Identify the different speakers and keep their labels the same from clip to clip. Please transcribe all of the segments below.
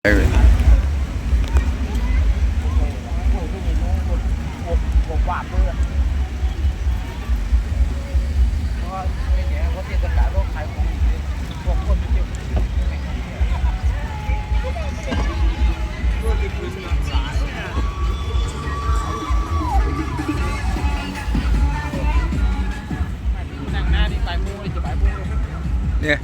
Speaker 1: บวาบเลยเพราะไม่เนี่ยเพราะเทศกาลก็ขายของพวกคนเที่ยวตัวติดพื้นหลายนั่งหน้านี่ไปมูเลยจะไปมู
Speaker 2: เนี่ย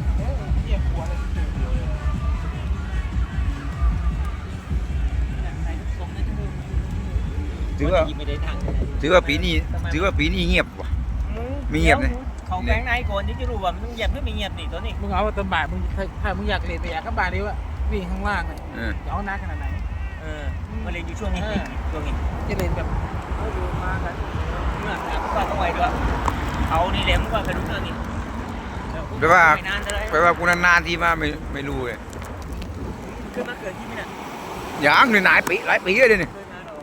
Speaker 2: ถือว่าปีนี้เงียบว่ะไม่เงียบเลย
Speaker 3: เขาแบงค์ไหนก่อนที่จะรู้ว่ามึงเงียบหรือไม่เงียบนี่ตัวนี้
Speaker 1: มึงเอาตอนบ่ายมึงถ้ามึงอยากเล่นไปอยากก็บ่ายนี้ว่าวิ่งข้างล่างเลยจะเอาหน้าขนาดไหน
Speaker 3: มาเล่นอยู่ช่วงนี้ช่วงนี้
Speaker 1: จะเล่นแบบเขาดูมากัน
Speaker 3: เมื่อก็ต้องไว้ด้วยเขานี่แหลมกว่ากระดูกตัวนี้
Speaker 2: แปลว่ากูนานๆที่มาไม่รู้เลย
Speaker 3: คือมาเกิดที่นี่น่ะ
Speaker 2: อย่างหลายปีเลยนี่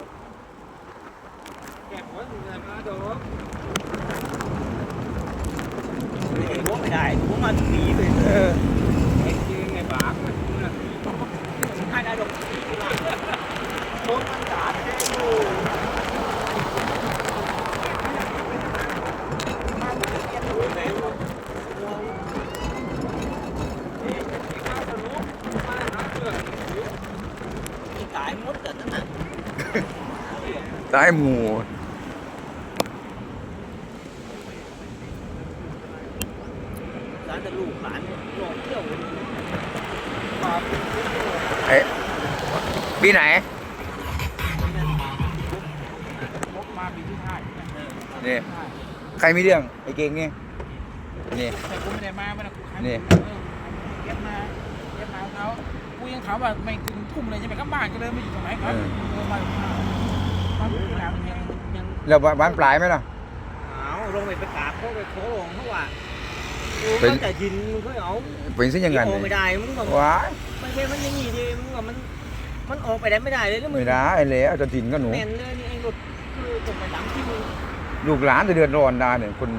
Speaker 3: ไม่ได้ผมมาถึงปีเลย
Speaker 1: ไงบ้าง
Speaker 3: ให้ได้ดอกโดนมันด่าไปได้ดูตายมดแต่นั่นน่ะ
Speaker 2: ตายหมู
Speaker 3: จะลูกหลานลงเที่ยว
Speaker 2: ปีไหน
Speaker 1: มาปีที่ห้า
Speaker 2: นี่ใครมีเรื่องไอ้เก่งนี่นี่
Speaker 1: แต่กูไม่ได้มาไม่ได้กู
Speaker 2: นี่
Speaker 1: เก็บมาเขากูยังถามว่าไม่ถึงทุ่มเลยยังไปกลับบ้านก็เลยไม่อยู่ตรงไหนครับมาที่หลังยัง
Speaker 2: แล้วบ้านปลายไหมล่ะ
Speaker 3: ลงไปกราบเขาไปโค้งเขาว่าเป็นแต่ยินมึงเขาเอา
Speaker 2: เป็นสิ่งอย่างนั้น
Speaker 3: ไม่ได้มึงแบบ
Speaker 2: ว้า
Speaker 3: มันเป็นมันยังงี้ดิมึงแบบมันออกไปได้ไม่ได้เลยแล้วมึง
Speaker 2: ไม่ได้แล้วจะถิ่นก็หนู
Speaker 3: แม่นเลยนี่ไอ้รถคือตกไปหลังที่มึง
Speaker 2: ลูกหลานจะเดือดร้อนได้เนี่ยคน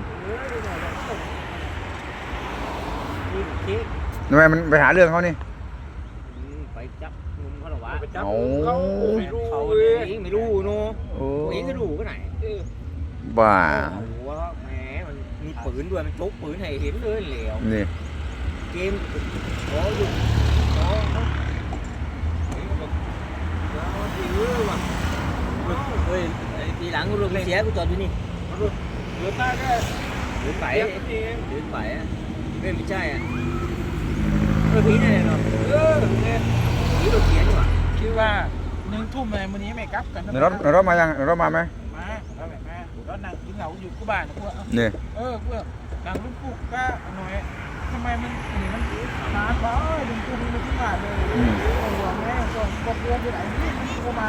Speaker 2: ทำไมมันไปหาเรื่องเขานี่
Speaker 3: ไปจับงุมเขาหรอวะ
Speaker 2: เขา
Speaker 3: ไม่รู้เนาะเองก็รู้ก็ไหน
Speaker 2: บ้า
Speaker 3: แหมมันมีปืนด้วยมันชกปืนให้เห็นเลยเหลว
Speaker 2: นี่
Speaker 3: เกมโอ้ยโอ้เฮ้ยทีหลังกูลงเสียกูจอดอยู่นี่
Speaker 1: เหลือตาแค่
Speaker 3: หรือไปไม่ใช่อ่ะพี่นี่เนาะพี่รถเสียดีกว่า
Speaker 1: คิดว่า1 ทุ่มเลยวันนี้ไม่กลับกัน
Speaker 2: รถมายังรถมาไหม
Speaker 1: แล้วนั่งกินเหล้าอยู่กูบ้านกู
Speaker 2: เนี่ย
Speaker 1: กูนั่งลูกปุ๊กก็หน่อยทำไมมันนานวะดึงกูมันที่บ้านเลยหัวแม่ก็เพื่อนไปไหนนี่กูมา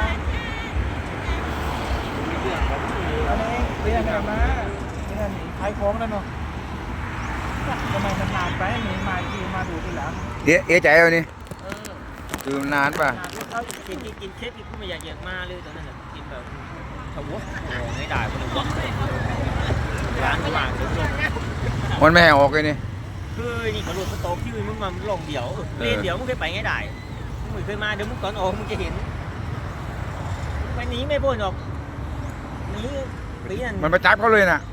Speaker 1: อันนี้เรียนอะไรมาเนี่ยหนีขายของแล้วเนาะทำไมมันนานไปหนีมาทีมาดูทีหลัง
Speaker 2: ใจเอานี่คือนานป่ะ
Speaker 3: กินเค้กกูไม่อยากมาเลยตอนนั้นกินแบบทวะไม่ได้ก็เลยวะร้านว่างจน
Speaker 2: มันไม่ให้ออกเลยนี่
Speaker 3: คือนี่กระโดดสต๊อกที่มึงมาลงเดี๋ยวเดี๋ยวมึงเคยไปไงได้มึงเคยมาเดี๋ยวมึงก่อนออกมึงจะเห็นไปหนีไม่พ้นหรอกหนี
Speaker 2: มันไปจับเขาเลยนะ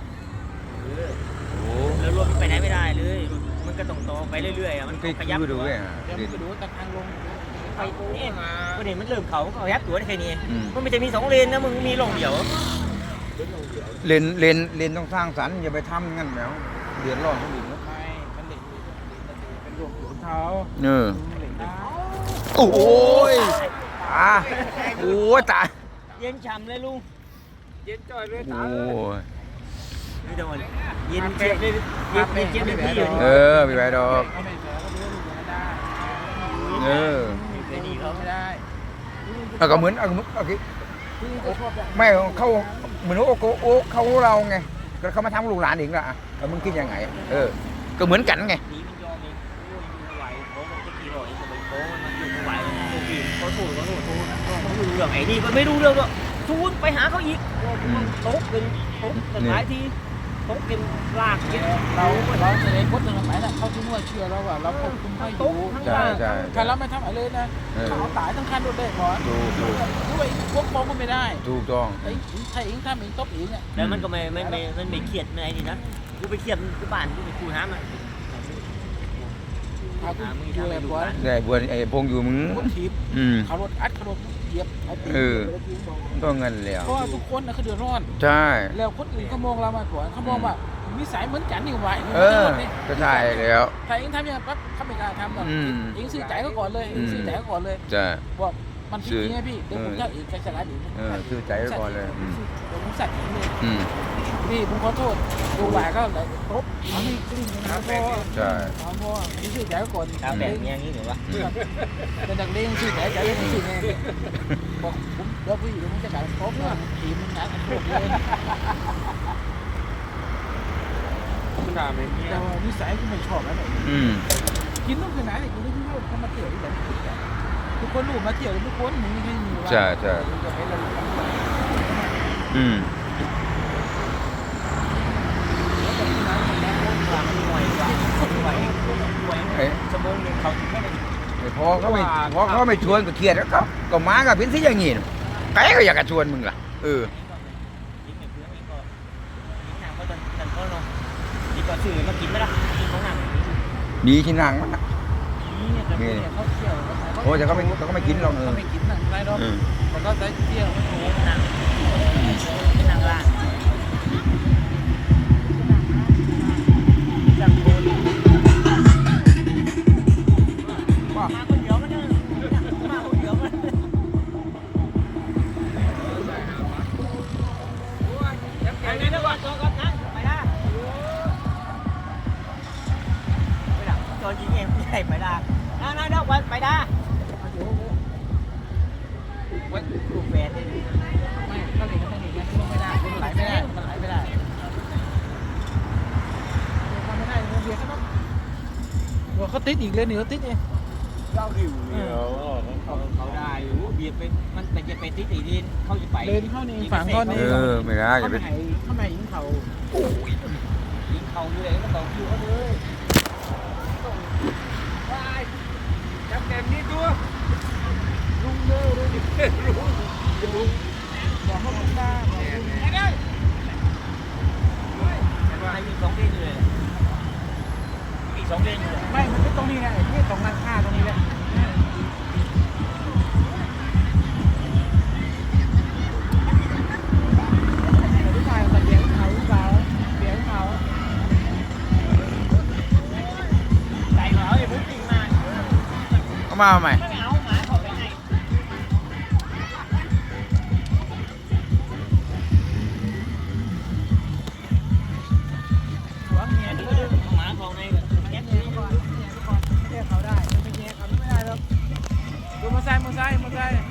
Speaker 3: แล้วรถไปไหนไม่ได้เลยมันก็ต้องไปเรื่อยๆมันขยับ
Speaker 1: ดูแต่ทางลง
Speaker 3: ไปเนี่ยประเด็นมันเริ่มเขายับตัวได้แค่นี้มันไม่จะมี2 เลนนะมึงมีลงเดี๋ยว
Speaker 2: เลนต้องสร้างสรรค์อย่าไปทำงั้นแล้วเดือดร้อนคนอื่นนะ
Speaker 1: ไม่มันเด็กเป็นหลวงเขา
Speaker 2: โอ้ยโอ้ยตาย
Speaker 3: เย็นฉ่ำเลยลุง
Speaker 1: เย็นจ่อยเลยตา
Speaker 3: ไม่โดนเย็นเจ็บเลยเย็นเจ็บเลยพี่
Speaker 2: มีใบดอก
Speaker 1: ไม่ได้
Speaker 2: ก็เหมือนไม่เขาเหมือนโอ้เขาเราไงก็เขามาทำลูกหลานเองละมึงคิดยังไงก็เหมือนกันไง
Speaker 3: ไอ้นี่มันไม่รู้เรื่องหรอกทูนไปหาเขาอีกตกหลายทีตกกินลากกิน
Speaker 1: เราแสดงพจน์สมัยน่ะเขาที่มั่วเชื่อเราว่าเราควบคุมให้อยู่
Speaker 2: ใช่ใช่
Speaker 1: ถ้าเราไม่ทำอะไรเลยนะเขาเอาตายทั้งคันรถได้หมด
Speaker 2: ถูก
Speaker 1: ด้วยพวกฟ้องก็ไม่ได้
Speaker 2: ถูกต้อง
Speaker 1: ไอ้ถ้าเองทำเองตบเองเนี่ย
Speaker 3: แล้วมันก็ไม่เครียดในนี่นะกูไปเครียดกูบ้านกูไปคูน้ำอ่ะ
Speaker 1: เอากูช่วยบัว
Speaker 2: แต่บัวไอ้พงอยู่มึง
Speaker 1: รถถีบ
Speaker 2: อืม
Speaker 1: เขารถอัดเขารถเหยียบเอาตีน
Speaker 2: ก็เงินแล้ว
Speaker 1: เพราะว่าทุกคนน่ะเขาเดือดร้อน
Speaker 2: ใช่
Speaker 1: แล้วคนอื่นเขามองเรามากกว่าเขามองว่านิสัยเหมือนกันนี่หว่า
Speaker 2: เออก็ใช่แล้ว
Speaker 1: ถ้าเองทำอย่างนั้นปั๊บเขาไม่กล้าทำหรอก
Speaker 2: อืม
Speaker 1: เองซื้อใจเขาก่อนเลยเองซื้อใจเขาก่อนเลย
Speaker 2: ใช่
Speaker 1: บอกมันผิดจริงไงพี่เดี๋ยวผมจะเองใจสลายเอง
Speaker 2: ซื้อใจไว้ก่อนเลย
Speaker 1: เดี๋ยวผมใส่เองเลย
Speaker 2: อืม
Speaker 1: พี่ผมขอโทษดูหวายก็เลยตบเอานี่กลิ้งนะพ่อ
Speaker 2: ใช่
Speaker 1: เอาพ่อนี่ซื้อใจเขาก่อน
Speaker 3: ตาแบบนี้อย่างนี้หรือวะ
Speaker 1: เป็นนักเลงซื้อใจใจยังซื้อไงบอกผมเดี๋ยวพี่เดี๋ยวผมจะกลับตบนะทีมมันงานโคตรเลยแต่ว่านิสัยที่ไม่ชอบแล้วเนี่ย
Speaker 2: อืม
Speaker 1: กินต้องขนาดไหนกินได้ที่เขามาเที่ยวที่ไหนทุกคนรู้มาเที่ยวทุกคนมึงไม่มีว่า
Speaker 2: ใช่ใช่
Speaker 1: จะไปเรา
Speaker 2: อืม
Speaker 3: หน่วยกว่าหน่วยชั่วโมงนึงเขาแค่ไหน
Speaker 2: พอเขาไม่ชวนก็เครียดแล้วก็มากับเป็นสิอย่างงี้ใครก็อยากจะชวนมึงล่ะ
Speaker 3: กินในเพื่อนนี่ก็กินหนังก็ดันก็เนาะดีกว่าซื้อมากินไหมล่ะกินของหนัง
Speaker 2: มีที่นั่งมั้ย
Speaker 1: นี่แต่เขาเที่ยว
Speaker 2: โอ้แต่เขาไม่กินหรอก
Speaker 1: เขาไม่กินหนังไรหรอกแต่ก็ใช้เที่ยว
Speaker 3: โอ้หนังเป็นหนังล่างจังโคนมาคนเดียวมันมาคนเดียวมันอย่างนี้นะก่อนตัวก่อนนะไปได้ไปได้ตัวยิงเองใหญ่ไปได้นั่นไปได้ลูกแฟนนี่
Speaker 1: ไม่เขาเด็กเขาเด็กมันไม่ได้มันไหลไม่ได้มันไหลไม่ได้ทำไม่ได้เบียร์ก็ต้องว่าเขาติดอีกเลยนี่เขาติดเอง
Speaker 3: เจ้าดิวเขาได้เบียร์เป็นมันแต่จะเป็นที่ตีดินเขาจะไป
Speaker 1: เดินเข้านี่ฝั่งเขานี่
Speaker 2: ไม่ได้
Speaker 1: เขา
Speaker 2: จะ
Speaker 1: ไม่
Speaker 2: เป็น
Speaker 1: ให้เขาไม่ยิงเขา
Speaker 3: ยิงเขาอยู่เลยก็ต้องคิวเขาเลย
Speaker 1: จับแกมนี่ตัวลุงเด้อเลยลุงบอกเขาบอกตาบอกลุงไม่ได้
Speaker 3: ให้ยิง2 เดือนเลยอีก2 เดือนอยู่เลย
Speaker 1: ไม่มันเป็นตรงนี้ไงนี่ตรงร้านค้าตรงนี้แหละผู้ชายมาเลี้ยงเขาเลี้ยงเขา
Speaker 3: ใจเขาไอ้พวกจริงมา
Speaker 2: เอามาใหม่
Speaker 3: ไม่เอาหมาเขาไปไหนหัวเมียนี่ก็ดึงหมาเขาในแก๊สนี่ก่อน
Speaker 1: แย่เขาได้ไม่แย่เขาไม่ได้หรอกดูมาใส่